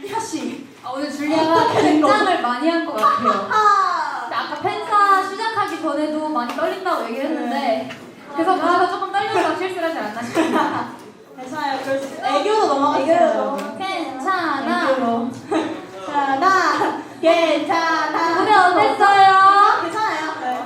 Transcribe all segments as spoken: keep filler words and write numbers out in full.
리아씨. 아, 오늘 줄리아가 긴장을 많이 한 것 같아요. 아, 아까 팬사 시작하기 전에도 많이 떨린다고 얘기했는데 네. 그래서 그래서 조금 떨려서 실수를 하지 않나 싶습니다. 괜찮아요. 그럴 수 있어요. 애교로 넘어갔어요. 애교로. 괜찮아. 애교로. 괜찮아. 괜찮아. 무대 어땠어요? 괜찮아요. 네.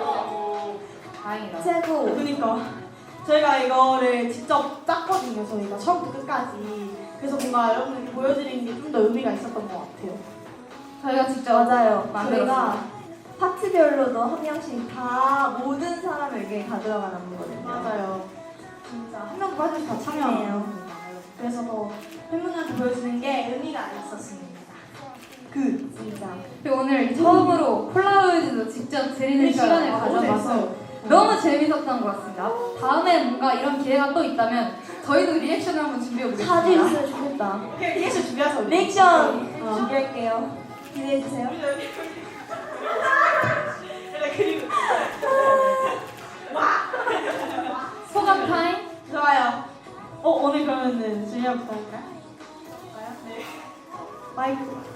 다행이다. 최고. 그니까 저희가 이거를 직접 짰거든요. 저희가 처음부터 끝까지. 그래서 뭔가 여러분들께 보여드리는 게 좀 더 의미가 있었던 것 같아요. 저희가 직접 맞아요. 만들었어요. 저희가 파트별로도 한 명씩 다 모든 사람에게 가져간 안무거든요. 맞아요. 진짜 한 명도 빠짐없이 다 참여해요. 참여해요. 그래서 더 팬분들한테 보여주는 게 의미가 있었습니다. 그 진짜. 그리고 오늘 처음으로 폴라로이드도 직접 드리는 시간을 가져봐서 너무 재밌었던 것 같습니다. 다음에 뭔가 이런 기회가 또 있다면 저희도 리액션을 한번 준비해 자주 보겠습니다. 있으면 좋겠다. 리액션 준비해서 리액션 어. 준비할게요. 기대해주세요. 그리고 소감 타임? 좋아요. 어 오늘 그러면은 준비부터 할까요? 네. 마이크.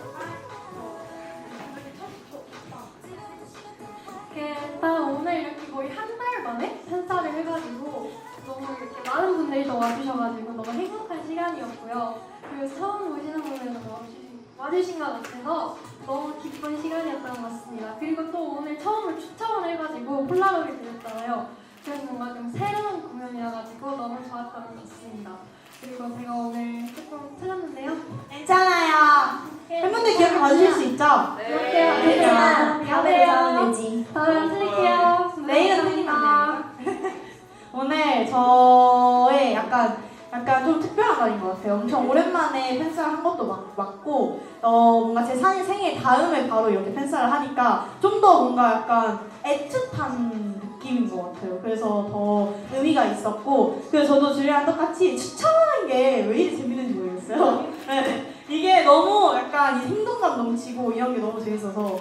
일단 오늘 이렇게 거의 한 달 만에 팬사를 해가지고 너무 이렇게 많은 분들이 또 와주셔가지고 너무 행복한 시간이었고요. 그리고 처음 오시는 분들도 와주신, 와주신 것 같아서 너무 기쁜 시간이었던 것 같습니다. 그리고 또 오늘 처음으로 추첨을 해가지고 폴라로이드였잖아요. 그래서 뭔가 좀 새로운 공연이라가지고 너무 좋았던 것 같습니다. 그리고 제가 오늘 조금 틀렸는데요. 괜찮아요. 팬분들 기억해 봐주실 수 있죠? 그렇게요. 네. 괜찮아. 다음에 안녕하세요. 잘하면 되지. 다음에 안 틀릴게요. 내일은 틀리면 안 돼요. 오늘 저의 약간 약간 좀 특별한 날인 것 같아요. 엄청 오랜만에 팬사를 한 것도 맞, 맞고 어 뭔가 제 사- 생일 다음에 바로 이렇게 팬사를 하니까 좀 더 뭔가 약간 애틋한 느낌인 것 같아요. 그래서 더 의미가 있었고 그래서 저도 줄리아랑 똑같이 추천하는 게 왜 이리 재밌는지 모르겠어요. 네. 이게 너무 약간 이 생동감 넘치고 이런 게 너무 재밌어서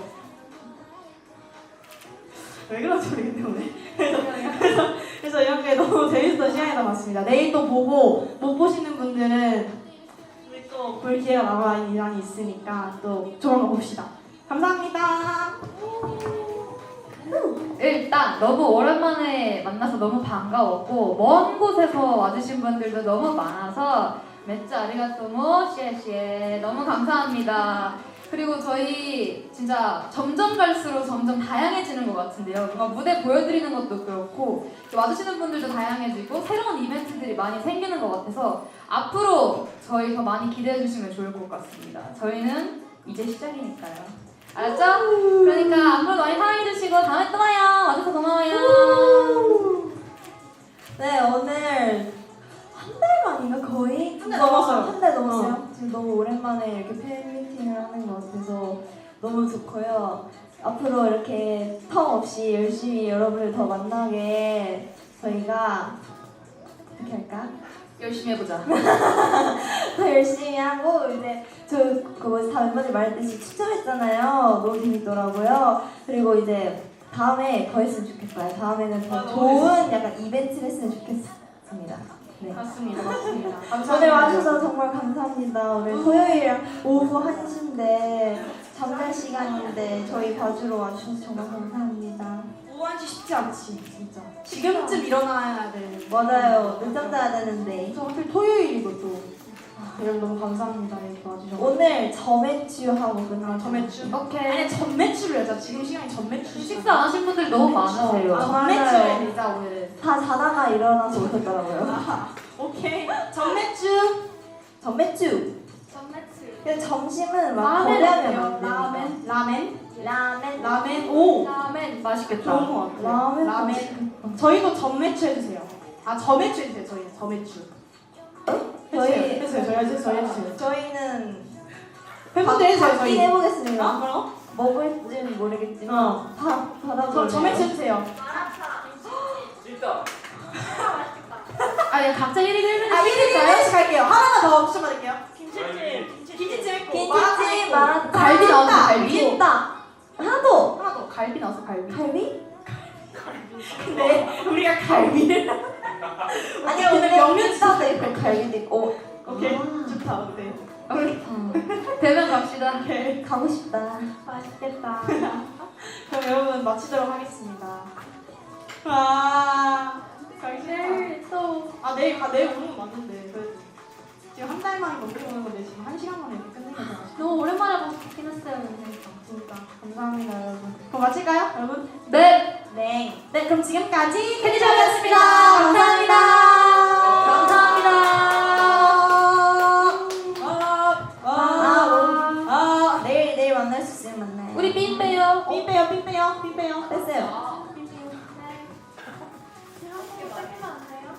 왜 그런지 모르겠네 오늘. 그래서, 그래서 이런 게 너무 재밌었던 시간이었던 것 같습니다. 내일 또 보고 못 보시는 분들은 우리 또 볼 기회가 남아 많이 있으니까 또 좋은 거 봅시다. 감사합니다. 일단 너무 오랜만에 만나서 너무 반가웠고 먼 곳에서 와주신 분들도 너무 많아서 맷츠 아리가토모 시에시에 너무 감사합니다. 그리고 저희 진짜 점점 갈수록 점점 다양해지는 것 같은데요. 뭔가 무대 보여드리는 것도 그렇고 와주시는 분들도 다양해지고 새로운 이벤트들이 많이 생기는 것 같아서 앞으로 저희 더 많이 기대해 주시면 좋을 것 같습니다. 저희는 이제 시작이니까요. 알았죠? 그러니까 앞으로도 많이 사랑해주시고 다음에 또 봐요. 와줘서 고마워요. 네, 오늘 한 달 만인가 거의? 한달 넘었어요. 한 달 넘었어요. 지금 너무 오랜만에 이렇게 팬미팅을 하는 것 같아서 너무 좋고요. 앞으로 이렇게 텀 없이 열심히 여러분을 더 만나게 저희가 어떻게 할까? 열심히 해보자. 더 열심히 하고 이제 저 그거 다 멤버들 말했듯이 추첨했잖아요. 너무 재밌더라고요. 그리고 이제 다음에 더 했으면 좋겠어요. 다음에는 더 아, 너무 좋은 약간 이벤트를 했으면 좋겠습니다. 네. 맞습니다. 맞습니다. 감사합니다. 오늘 와주셔서 정말 감사합니다. 오늘 토요일 오후 한 시인데 잠잘 시간인데 저희 봐주러 와주셔서 정말 감사합니다. 오한시 쉽지 않지 진짜. 지금쯤 일어나야 돼. 맞아요. 늦잠 자야 되는데 저 하필 토요일이고 또. 아, 여러분 너무 감사합니다. 이렇게 와주셔서. 오늘 저매추하고 끝나. 전매출. 오케이. 아니 전매출을 하자. 지금 시간이 전매출. 식사 안 하신 분들 너무 많으세요. 아, 맞아요. 전매출에 되자 오늘. 다 자다가 일어나서 오셨더라고요. 아, 오케이. 전매출. 전매추. 전매출. 근데 점심은 막 라멘 거래하면 어때요? 안 되니까. 라멘? 라멘. 라멘. 라멘. 오. 라멘. 맛있겠다. 좋은 것 같아요. 라멘. 라멘. 저희도 전매출 해주세요. 아 저매출 해주세요. 저희 저매출. 저희 해주세요. 저희 해주세요. 저희 해주세요. 저희는 팬분들 해주세요. 받긴 저희. 해보겠습니다. 아 뭐라고? 먹을지는 모르겠지만 어. 다 저 받아볼래요. 저매출 해주세요. 아, 야, 각자 일 위 일 위 아 일 위 일 위씩 갈게요. 하나만 더 추천 받을게요. 김치찜. 김치찜 했고 김치찜, 마라탕, 갈비 나왔어, 갈비. 있다. 하나 더. 하나 더. 갈비 나왔어, 갈비. 갈비? 근데 우리가 갈비를 아니 오늘 근데 명륜 식사도 있고 갈비도 있고 오케이 아. 좋다 어때? 우리 어, 대면 갑시다. 오케이 가고 싶다. 맛있겠다. 그럼 여러분 마치도록 하겠습니다. 아 가기 싫다. 내일 또 아 내일 가 내일 오는 거 맞는데 그래도 지금 한 달 만에 넘게 오는 건데 지금 한 시간 만에 이렇게 끝내게 돼가지고 너무 오랜만에 봐서 좋긴 했어요. 근데. 진짜 감사합니다 여러분. 그럼 마칠까요 여러분? 네. 네. 네 그럼 지금까지 캔디샵이었습니다. 감사합니다. 감사합니다. 아, 아, 아, 내일 내일 만날 수 있으면 만나요. 우리 빈 빼요. 핀 빼요, 핀 빼요, 핀 빼요. 뺐어요. 이렇게 닦이면 안 돼요?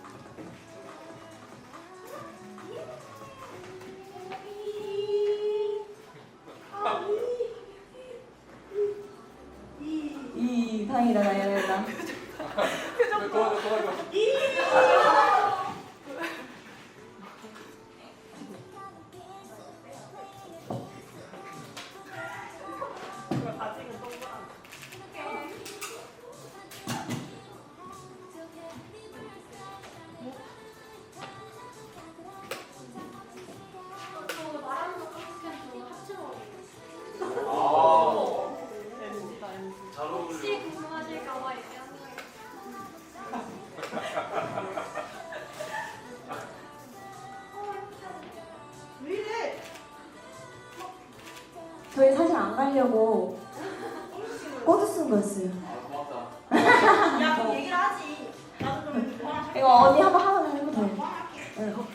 이 다행이다 다행이다. 저 말하는 거 어떻게 저 합쳐 먹어요. 혹시 궁금하실까봐 얘기하는 거예요. 왜 이래? 저희 사실 안 가려고 꼬드 쓴 거였어요. 야, 그럼 얘기를 하지. 나도 좀 이거 언니 한번 하면 해도 돼. 응.